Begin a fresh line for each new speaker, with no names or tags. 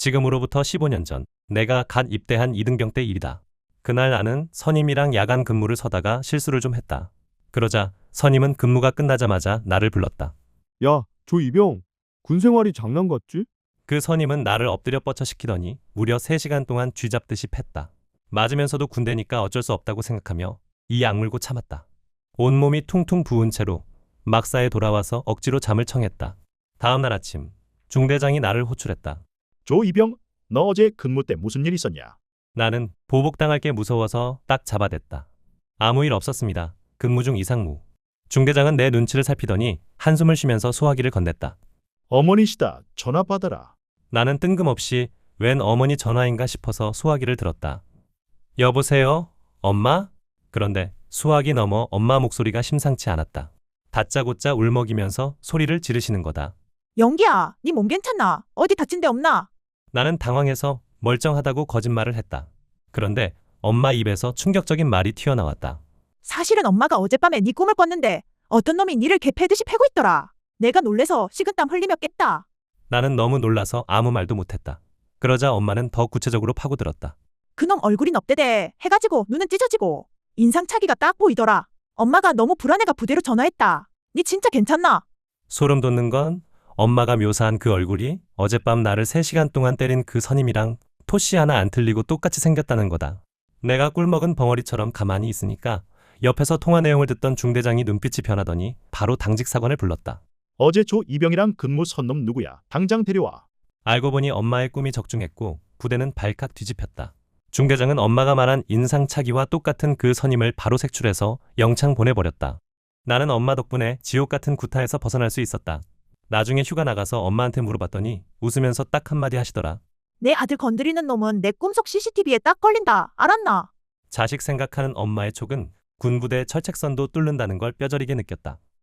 지금으로부터 15년 전 내가 갓 입대한 이등병 때 일이다. 그날 나는 선임이랑 야간 근무를 서다가 실수를 좀 했다. 그러자 선임은 근무가 끝나자마자 나를 불렀다.
야, 조 이병. 군 생활이 장난 같지?
그 선임은 나를 엎드려 뻗쳐 시키더니 무려 3시간 동안 쥐잡듯이 팼다. 맞으면서도 군대니까 어쩔 수 없다고 생각하며 이 악물고 참았다. 온몸이 퉁퉁 부은 채로 막사에 돌아와서 억지로 잠을 청했다. 다음 날 아침 중대장이 나를 호출했다.
조 이병, 너 어제 근무 때 무슨 일 있었냐?
나는 보복당할 게 무서워서 딱 잡아댔다. 아무 일 없었습니다. 근무 중 이상무. 중대장은 내 눈치를 살피더니 한숨을 쉬면서 소화기를 건넸다.
어머니시다. 전화 받아라.
나는 뜬금없이 웬 어머니 전화인가 싶어서 수화기를 들었다. 여보세요? 엄마? 그런데 수화기 너머 엄마 목소리가 심상치 않았다. 다짜고짜 울먹이면서 소리를 지르시는 거다.
영기야, 네 몸 괜찮나? 어디 다친 데 없나?
나는 당황해서 멀쩡하다고 거짓말을 했다. 그런데 엄마 입에서 충격적인 말이 튀어나왔다.
사실은 엄마가 어젯밤에 네 꿈을 꿨는데 어떤 놈이 니를 개패듯이 패고 있더라. 내가 놀래서 식은땀 흘리며 깼다.
나는 너무 놀라서 아무 말도 못했다. 그러자 엄마는 더 구체적으로 파고들었다.
그놈 얼굴이 넙대대 해가지고 눈은 찢어지고 인상차기가 딱 보이더라. 엄마가 너무 불안해가 부대로 전화했다. 니 진짜 괜찮나?
소름 돋는 건 엄마가 묘사한 그 얼굴이 어젯밤 나를 3시간 동안 때린 그 선임이랑 토씨 하나 안 틀리고 똑같이 생겼다는 거다. 내가 꿀먹은 벙어리처럼 가만히 있으니까 옆에서 통화 내용을 듣던 중대장이 눈빛이 변하더니 바로 당직 사관을 불렀다.
어제 조 이병이랑 근무 선놈 누구야? 당장 데려와.
알고 보니 엄마의 꿈이 적중했고 부대는 발칵 뒤집혔다. 중대장은 엄마가 말한 인상차기와 똑같은 그 선임을 바로 색출해서 영창 보내버렸다. 나는 엄마 덕분에 지옥 같은 구타에서 벗어날 수 있었다. 나중에 휴가 나가서 엄마한테 물어봤더니 웃으면서 딱 한마디 하시더라.
내 아들 건드리는 놈은 내 꿈속 CCTV에 딱 걸린다. 알았나?
자식 생각하는 엄마의 촉은 군부대 철책선도 뚫는다는 걸 뼈저리게 느꼈다.